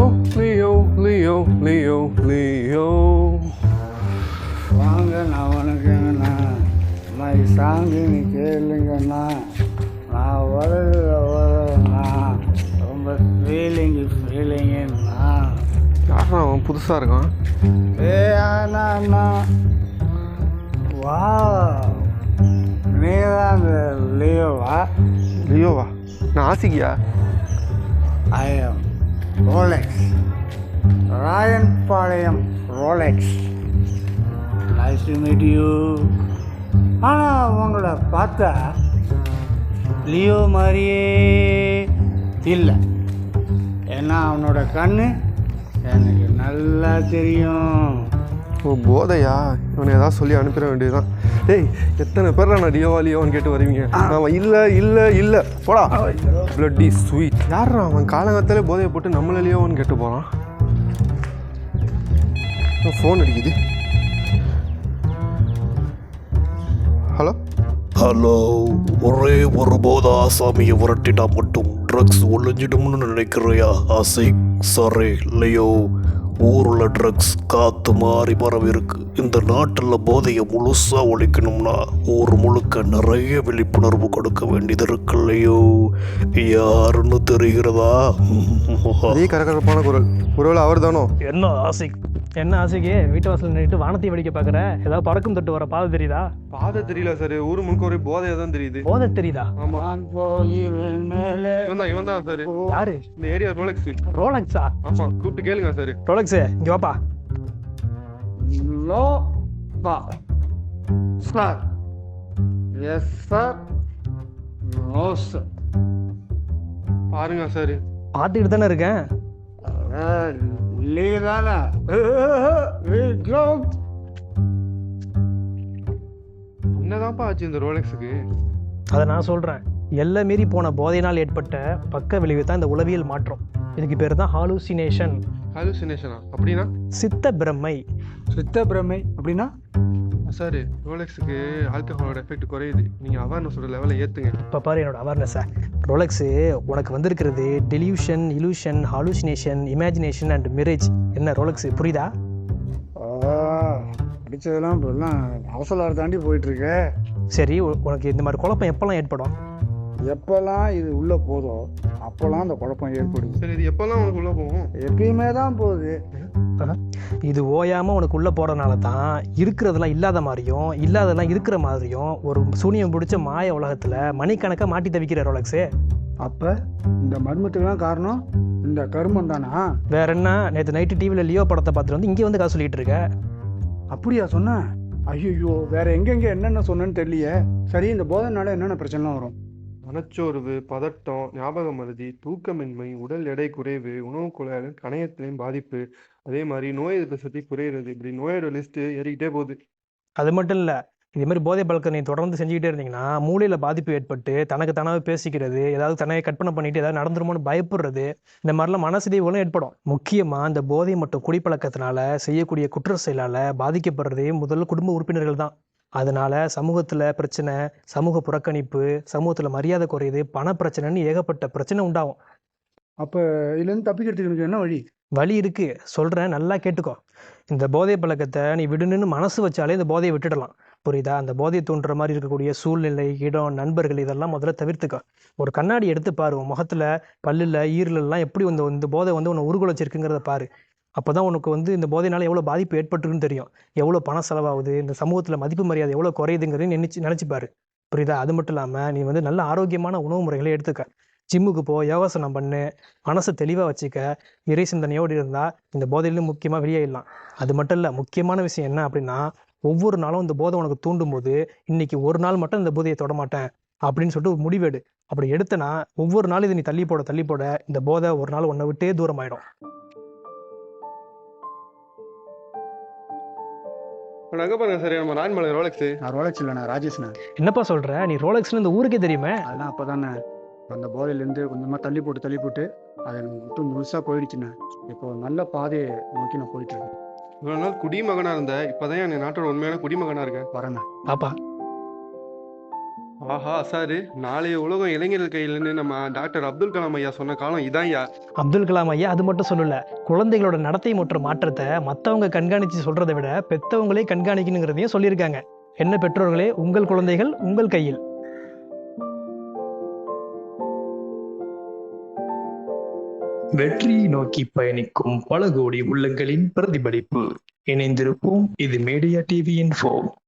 Leo Leo Leo Leo. வாங்க நான் வணக்கங்கண்ணா. My song நீ கேளுங்கண்ணா. நான் வரேண்ணா. ரொம்ப ஃபீலிங்குண்ணா. யாரா அவன் புதுசாக இருக்கான்? அண்ணா வா, நீதான் அந்த லியோவா? லியோவா? நான் ஆசிக்கியா? I am Rolex, Rayanpalayam Rolex. Nice to meet you. ஆனால் உங்களை பார்த்தா லியோ மாதிரியே இல்லை. ஏன்னா அவனோட கண்ணு எனக்கு நல்லா தெரியும். ஓ போதையா? இவனை ஏதாவது சொல்லி அனுப்பிட வேண்டியதுதான். டேய், எத்தனை பேர் நான் லியோவா லியோவான்னு கேட்டு வருவீங்க. அவன் இல்லை இல்லை இல்லை போடா. Bloody sweet. யாரா அவன்? காலங்காத்தாலே போதையை போட்டு நம்மள லியோவான்னு கேட்டு போகிறான். ஃபோன் அடிக்குது. ஹலோ ஹலோ, ஒரே ஒரு போத ஆசாமியை விரட்டிட்டா மட்டும் ட்ரக்ஸ் ஒழிஞ்சிடும்னு நினைக்கிறியா ஆசிக்? சாரி லியோ, ஊரில் ட்ரக்ஸ் காற்று மாறி பரவி இருக்கு. இந்த நாட்டில் போதையை முழுசாக ஒழிக்கணும்னா ஊர் முழுக்க நிறைய விழிப்புணர்வு கொடுக்க வேண்டியது இருக்கு இல்லையோ. யாருன்னு தெரிகிறதா? அதே கரகரப்பான குரல். ஒருவேளை அவர் தானோ? என்ன ஆசிக்? என்ன ஆசைக்கு வீட்டு வாசல் நின்றுட்டு வானத்தை வெடிக்க பார்க்குற? ஏதாவது பறக்கும் தொட்டு வர பாதை தெரியுதா? பாதை தெரியல சார், ஊர் முழுக்க ஒரே போதையா தான் தெரியுது. போதை தெரியுதா? ஆமா, மேலே இவன் தான் சார். யாரு? இந்த ஏரியா ரோலெக்ஸ். ரோலக்ஸா? ஆமா, கூப்பிட்டு கேளுங்க சார். ரோலக்ஸு இங்கே வாப்பா. லோ பா sir. Yes sir. No sir. பாருங்க சார். பார்த்துக்கிட்டு தானே இருக்கேன். லீதானா? என்னதான்ப்பா ஆச்சு இந்த ரோலெக்ஸுக்கு? அதை நான் சொல்கிறேன். எல்லை மீறி போன போதையினால் ஏற்பட்ட பக்க விளைவு தான் இந்த உளவியல் மாற்றம். இதுக்கு பேர் தான் ஹாலுசினேஷன். ஹாலுசினேஷனா? அப்படின்னா? சித்த பிரமை. சித்த பிரமை அப்படின்னா? சார், ரோலெக்ஸுக்கு ஆல்கஹாலோட எஃபெக்ட் குறையுது. நீங்கள் அவேர்னஸோட லெவலை ஏற்றுங்க. இப்போ பாரு என்னோட அவேர்னஸை. ரோலெக்ஸு உனக்கு வந்திருக்கிறது delusion, illusion, hallucination, imagination and mirage. என்ன ரோலெக்ஸு புரியுதா? படித்ததெல்லாம் இப்போல்லாம் அவசரம் தாண்டி போயிட்டுருக்கு. சரி, உனக்கு இந்த மாதிரி குழப்பம் எப்போல்லாம் ஏற்படும்? எப்போல்லாம் இது உள்ளே போதோ அப்போல்லாம் அந்த குழப்பம் ஏற்படுது. சரி, இது எப்போல்லாம் உனக்கு உள்ளே போகும்? எப்பயுமே தான் போகுது. இது ஓயாமல் உனக்கு உள்ளே போகிறதுனால தான் இருக்கிறதெல்லாம் இல்லாத மாதிரியும் இல்லாததெல்லாம் இருக்கிற மாதிரியும் ஒரு சூனியம் பிடிச்ச மாய உலகத்தில் மணிக்கணக்காக மாட்டி தவிக்கிற ரோலெக்ஸு. அப்போ இந்த மர்மத்துக்கெல்லாம் காரணம் இந்த கருமம் தானா? வேற என்ன? நேற்று நைட்டு டிவியில் லியோ படத்தை பார்த்துட்டு வந்து இங்கே வந்து காசு சொல்லிட்டு இருக்க. அப்படியா சொன்ன? ஐயோ, வேற எங்கெங்கே என்னென்ன சொன்னேன்னு தெரியலையே. சரி, இந்த போதைனால என்னென்ன பிரச்சனைலாம் வரும்? மனச்சோர்வு, பதட்டம், ஞாபக மறதி, தூக்கமின்மை, உடல் எடை குறைவு, உணவு குழாயில் கணையத்திலையும் பாதிப்பு, அதே மாதிரி நோய் எதிர்ப்பு சக்தி குறையிறது. இப்படி நோயோட லிஸ்ட்டு ஏறிக்கிட்டே போகுது. அது மட்டும் இல்லை, இதே மாதிரி போதை பழக்கம் நீ தொடர்ந்து செஞ்சுக்கிட்டே இருந்தீங்கன்னா மூளையில் பாதிப்பு ஏற்பட்டு தனக்கு தானாகவே பேசிக்கிறது, ஏதாவது தனக்கு கற்பனை பண்ணிட்டு ஏதாவது நடந்துருமோன்னு பயப்படுறது, இந்த மாதிரிலாம் மனசிதைவுகளும் ஏற்படும். முக்கியமாக இந்த போதை மற்றும் குடிப்பழக்கத்தினால செய்யக்கூடிய குற்ற செயலால் பாதிக்கப்படுறதே முதல்ல குடும்ப உறுப்பினர்கள் தான். அதனால சமூகத்தில் பிரச்சனை, சமூக புறக்கணிப்பு, சமூகத்தில் மரியாதை குறையுது, பண பிரச்சனைன்னு ஏகப்பட்ட பிரச்சனை உண்டாகும். அப்போ இதுலேருந்து தப்பிக்கிறதுக்கு எனக்கு என்ன வழி? வழி இருக்கு, சொல்கிறேன், நல்லா கேட்டுக்கோ. இந்த போதை பழக்கத்தை நீ விடணுன்னு மனசு வச்சாலே இந்த போதையை விட்டுடலாம். புரியுதா? அந்த போதையை தூண்டுற மாதிரி இருக்கக்கூடிய சூழ்நிலை, இடம், நண்பர்கள் இதெல்லாம் முதல்ல தவிர்த்துக்கோ. ஒரு கண்ணாடி எடுத்து பாரு, உன் முகத்தில், பல்லில், ஈரலெல்லாம் எப்படி இந்த போதை உன்னை உருகுலைச்சிருக்குங்கிறத பாரு. அப்போ தான் உனக்கு இந்த போதையினால எவ்வளோ பாதிப்பு ஏற்பட்டுருக்குன்னு தெரியும். எவ்வளோ பணம் செலவாகுது, இந்த சமூகத்தில் மதிப்பு மரியாதை எவ்வளோ குறையுதுங்கிறதையும் நினச்சிப்பாரு. புரியுதா? அது மட்டும் இல்லாமல் நீ நல்ல ஆரோக்கியமான உணவு முறைகளை எடுத்துக்க. ஜிம்முக்கு போ, யோகாசனம் பண்ணு, மனசை தெளிவாக வச்சுக்க. இறை சிந்தனையோடு இருந்தால் இந்த போதையிலும் முக்கியமாக வெளியேறலாம். அது மட்டும் இல்லை, முக்கியமான விஷயம் என்ன அப்படின்னா, ஒவ்வொரு நாளும் இந்த போதை உனக்கு தூண்டும் போது இன்னைக்கு ஒரு நாள் மட்டும் இந்த போதையை தொட மாட்டேன் அப்படின்னு சொல்லிட்டு ஒரு முடிவெடு. அப்படி எடுத்தனா ஒவ்வொரு நாளும் இதை நீ தள்ளி போட இந்த போதை ஒரு நாள் உன்னை விட்டே தூரமாயிடும். அங்கே பாருங்க சார், நம்ம ராயன்பாளையம் ரோலெக்ஸு. நான் ரோலெக்ஸ் இல்லைண்ணா, ராஜேஷ்ண்ணா. என்னப்பா சொல்கிற? நீ ரோலெக்ஸ்னு இந்த ஊருக்கே தெரியுமே. அதெல்லாம் அப்போ தானே அந்த போதையிலேருந்து கொஞ்சமாக தள்ளி போட்டு அதை மட்டும் முழுசாக போயிடுச்சுண்ணே. இப்போ நல்ல பாதையை நோக்கி நான் போயிட்டுருக்கேன். இவ்வளோ நாள் குடிமகனாக இருந்தேன், இப்போதான் என் நாட்டோட உண்மையான குடிமகனாக இருக்கேன். வரேண்ணா. பாப்பா ஆஹா சாரு, நாளைய உலகம் இளைஞர்கள் கையிலன்னு நம்ம டாக்டர் அப்துல் கலாம் ஐயா சொன்ன காலம் இதான்யா. அப்துல் கலாம் ஐயா அது மட்டும் சொல்லல, குழந்தைகளோட நடத்தை மற்றும் மாற்றத்தை மற்றவங்க கண்காணித்து சொல்றதை விட பெற்றவங்களே கண்காணிக்கணுங்கிறதையும் சொல்லியிருக்காங்க. என்ன பெற்றோர்களே, உங்கள் குழந்தைகள் உங்கள் கையில். வெற்றியை நோக்கி பயணிக்கும் பல கோடி உள்ளங்களின் பிரதிபலிப்பு. இணைந்திருப்போம். இது மீடியா டிவி இன்ஃபோ.